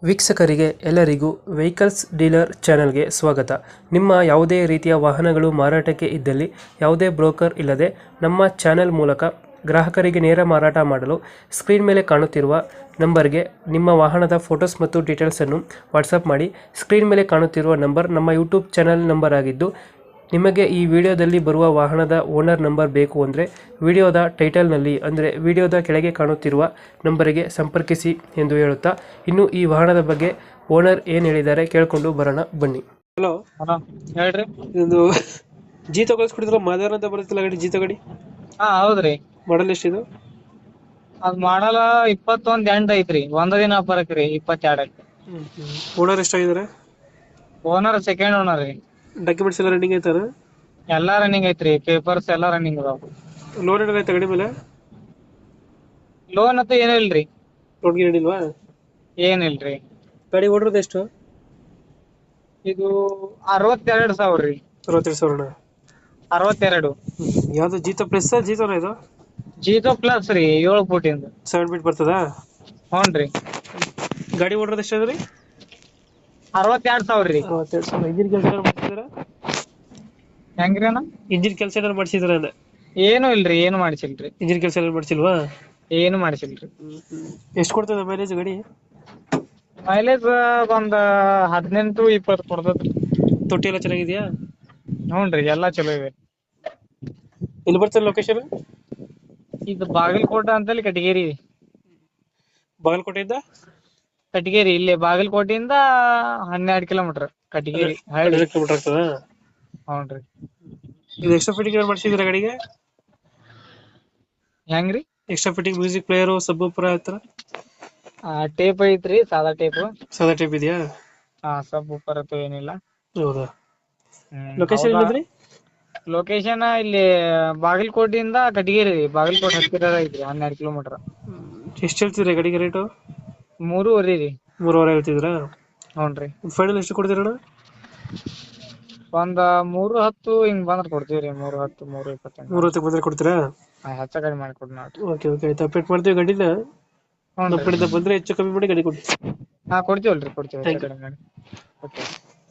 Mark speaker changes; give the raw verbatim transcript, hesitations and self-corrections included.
Speaker 1: ವೀಕ್ಷಕರಿಗೆ ಎಲ್ಲರಿಗೂ vehicles dealer ಚಾನೆಲ್ಗೆ ಸ್ವಾಗತ. ನಿಮ್ಮ ಯಾವುದೇ ರೀತಿಯ ವಾಹನಗಳು ಮಾರಾಟಕ್ಕೆ ಇದ್ದಲ್ಲಿ ಯಾವುದೇ ಬ್ರೋಕರ್ ಇಲ್ಲದೆ ನಮ್ಮ ಚಾನೆಲ್ ಮೂಲಕ ಗ್ರಾಹಕರಿಗೆ ನೇರ ಮಾರಾಟ ಮಾಡಲು ಸ್ಕ್ರೀನ್ ಮೇಲೆ ಕಾಣುತ್ತಿರುವ ನಂಬರ್ಗೆ ನಿಮ್ಮ ವಾಹನದ ಫೋಟೋಸ್ ಮತ್ತು ಡೀಟೇಲ್ಸನ್ನು ವಾಟ್ಸಪ್ ಮಾಡಿ. ಸ್ಕ್ರೀನ್ ಮೇಲೆ ಕಾಣುತ್ತಿರುವ ನಂಬರ್ ನಮ್ಮ ಯೂಟ್ಯೂಬ್ ಚಾನೆಲ್ ನಂಬರ್ ಆಗಿದ್ದು, ನಿಮಗೆ ಈ ವಿಡಿಯೋದಲ್ಲಿ ಬರುವ ವಾಹನದ ಓನರ್ ನಂಬರ್ ಬೇಕು ಅಂದರೆ ವಿಡಿಯೋದ ಟೈಟಲ್ನಲ್ಲಿ ಅಂದರೆ ವಿಡಿಯೋದ ಕೆಳಗೆ ಕಾಣುತ್ತಿರುವ ನಂಬರಿಗೆ ಸಂಪರ್ಕಿಸಿ ಎಂದು ಹೇಳುತ್ತಾ, ಇನ್ನು ಈ ವಾಹನದ ಬಗ್ಗೆ ಓನರ್ ಏನು ಹೇಳಿದ್ದಾರೆ ಕೇಳಿಕೊಂಡು ಬರೋಣ ಬನ್ನಿ. ಹಲೋ
Speaker 2: ಹಲೋ ಹೇಳ್ರಿ.
Speaker 1: ಇದೊಂದು ಜೀತ ಕಳಿಸ್ಕೊಡಿದ್ರು ಮಾದೇವರ ಅಂತ ಬರುತ್ತಿಲ್ಲ ಗಾಡಿ, ಜೀತ ಗಾಡಿ
Speaker 2: ಹಾ ಹೌದ್ರಿ.
Speaker 1: ಮಾಡಲ್ ಎಷ್ಟಿದು?
Speaker 2: ಅದ್ ಮಾಡಲ್ಲ ಇಪ್ಪತ್ತೊಂದ್ ಎಂಟ್ ಐತ್ರಿ. ಒಂದ ದಿನ ಬರಕ್ ರೀ ಇಪ್ಪತ್ತೆರಡಕ್ಕೆ.
Speaker 1: ಓನರ್ ಎಷ್ಟಾಗಿದ್ದಾರೆ?
Speaker 2: ಓನರ್ ಸೆಕೆಂಡ್ ಓನರ್ ರೀ.
Speaker 1: ಡಾಕ್ಯುಮೆಂಟ್ಸ್ ಎಲ್ಲ ರನ್ನಿಂಗ್ ಐತಾರ?
Speaker 2: ಎಲ್ಲಾ ರನ್ನಿಂಗ್ ಐತ್ರಿ, ಪೇಪರ್ಸ್ ಎಲ್ಲಾ ರನ್ನಿಂಗ್ ಅದಾವ.
Speaker 1: ಲೋನ್ ಏನಾರ ಐತೆ ಗಾಡಿ ಮೇಲೆ?
Speaker 2: ಲೋನ್ ಅಂತ ಏನೂ ಇಲ್ರಿ.
Speaker 1: ಲೋನ್ ಗಿನ್ ಏನಿಲ್ವಾ?
Speaker 2: ಏನಿಲ್ರಿ.
Speaker 1: ಗಾಡಿ ಓಡಿರೋದು ಎಷ್ಟು?
Speaker 2: ಇದು ಅರವತ್ತೆರಡು ಸಾವಿರ ರೀ.
Speaker 1: ಅರವತ್ತೆರಡು ಸಾವಿರ.
Speaker 2: ಅರವತ್ತೆರಡು.
Speaker 1: ಯಾವ್ದು ಜೀತ ಪ್ಲಸ್ ಜೀತನ ಇದು?
Speaker 2: ಜೀತೋ ಪ್ಲಸ್ ರೀ, ಏಳು ಫೂಟಿಂದ.
Speaker 1: ಸೆವೆನ್ ಫೀಟ್ ಬರ್ತದಾ?
Speaker 2: ಹ್ಞೂನ್ರಿ.
Speaker 1: ಗಾಡಿ ಓಡಿರೋದು ಎಷ್ಟು ಅದ್ರಿ?
Speaker 2: ಅರವತ್ತೆರಡು ಸಾವಿರ ರೀ.
Speaker 1: ಅರವತ್ತೆರಡು ಸಾವಿರ. ಇಂಜಿನ್ ಕೆಲಸ ಏನಾರು ಮಾಡಿಸಿದ್ರ?
Speaker 2: ಹೆಂಗ್ರಿ ಅಣ್ಣ?
Speaker 1: ಇಂಜಿನ್ ಕೆಲಸ ಏನಾರು ಮಾಡಿಸಿದ್ರ ಅಂದೆ?
Speaker 2: ಏನು ಇಲ್ರಿ, ಏನು ಮಾಡಿಸಿಲ್ರಿ.
Speaker 1: ಇಂಜಿನ್ ಕೆಲಸ ಏನಾರು ಮಾಡಿಸಿಲ್ವಾ?
Speaker 2: ಏನು ಮಾಡಿಸಿಲ್ರಿ.
Speaker 1: ಎಷ್ಟು ಕೊಡ್ತದೆ ಮೈಲೇಜ್ ಗಾಡಿ?
Speaker 2: ಮೈಲೇಜ್ ಒಂದ್ ಹದಿನೆಂಟು ಇಪ್ಪತ್ತು ಕೊಡ್ತದ್ರಿ.
Speaker 1: ತೊಟ್ಟಿ ಎಲ್ಲ ಚೆನ್ನಾಗಿದ್ಯಾ?
Speaker 2: ಹ್ಞೂನ್ರಿ, ಎಲ್ಲಾ ಚಲೋ ಇವೆ.
Speaker 1: ಎಲ್ಲಿ ಬರ್ತದೆ ಲೊಕೇಶನ್?
Speaker 2: ಇದು ಬಾಗಲಕೋಟೆ ಅಂತೇಳಿ ಕಟಗೇರಿ.
Speaker 1: ಬಾಗಲಕೋಟೆಯಿಂದ
Speaker 2: ಕಟಗೇರಿ ಇಲ್ಲೇ ಬಾಗಲಕೋಟೆಯಿಂದ ಹನ್ನೆರಡು ಕಿಲೋಮೀಟರ್ ಕಟಗೇರಿ ಹಳ್ಳಿ.
Speaker 1: ಕಿಲೋಮೀಟರ್ ಆಗ್ತದ?
Speaker 2: ಹ್ಞೂನ್ರಿ.
Speaker 1: ಇದು ಎಕ್ಸ್ಟ್ರಾ ಫಿಟ್ಟಿಂಗ್ ಏನಾರು ಮಾಡಿಸಿದ್ರ ಗಾಡಿಗೆ?
Speaker 2: ಹೆಂಗ್ರಿ?
Speaker 1: ಎಕ್ಸ್ಟ್ರಾ ಫಿಟ್ಟಿಂಗ್ ಮ್ಯೂಸಿಕ್ ಪ್ಲೇಯರು ಸಬ್ ಪೂರ ಆತರ?
Speaker 2: ಟೇಪ್ ಐತ್ರಿ, ಸಾದಾ ಟೇಪ್.
Speaker 1: ಸಾದಾ ಟೇಪ್ ಇದೆಯಾ?
Speaker 2: ಹಾ, ಸಬ್ ಉಪ್ಪರ್ ಅಂತೂ ಏನಿಲ್ಲ.
Speaker 1: ಹೌದಾ? ಲೊಕೇಶನ್ ಎಲ್ಲಿದ್ರಿ?
Speaker 2: ಲೊಕೇಶನ್ ಇಲ್ಲಿ ಬಾಗಲಕೋಟೆಯಿಂದ ಕಟಗೇರಿ, ಬಾಗಲಕೋಟೆ ಹತ್ತಿರ ಐತ್ರಿ, ಹನ್ನೆರಡು ಕಿಲೋಮೀಟರ್.
Speaker 1: ಎಷ್ಟು ಹೇಳ್ತಿದ್ರಿ ಗಾಡಿಗೆ ರೇಟು?
Speaker 2: ಮೂರುವರೆ ರೀ.
Speaker 1: ಮೂರುವರೆ ಹೇಳ್ತಿದ್ರಾ?
Speaker 2: ಹ್ಞೂನ್ರಿ.
Speaker 1: ಫೈನಲ್ ಎಷ್ಟು ಕೊಡ್ತೀರಣ್ಣ?
Speaker 2: ಒಂದ್ ಮೂರು ಹತ್ತು ಹಿಂಗ್ ಬಂದ್ರ ಕೊಡ್ತೀವ್ರಿ. ಮೂರು ಹತ್ತು ಮೂರು ಇಪ್ಪತ್ತೆಂಟು.
Speaker 1: ಮೂರು ಹತ್ತಕ್ಕೆ ಬಂದ್ರೆ ಕೊಡ್ತೀರಾ?
Speaker 2: ಹೆಚ್ಚ ಕಡಿಮೆ ಮಾಡಿ ಕೊಡ್ ನಾವ್.
Speaker 1: ಓಕೆ ಓಕೆ ಆಯ್ತು, ಅಪ್ಡೇಟ್ ಮಾಡ್ತೀವಿ ಗಾಡಿನ. ನಮ್ಮ ಕಡೆಯಿಂದ ಬಂದ್ರೆ ಹೆಚ್ಚು ಕಮ್ಮಿ ಮಾಡಿ ಗಾಡಿ ಕೊಡ್ತೀವಿ.
Speaker 2: ಹಾ ಕೊಡ್ತೀವಲ್ರಿ, ಕೊಡ್ತೀವಿ.
Speaker 1: Thank you.
Speaker 2: ಹೆಚ್ಚ ಕಡಿಮೆ ಮಾಡಿ. ಓಕೆ.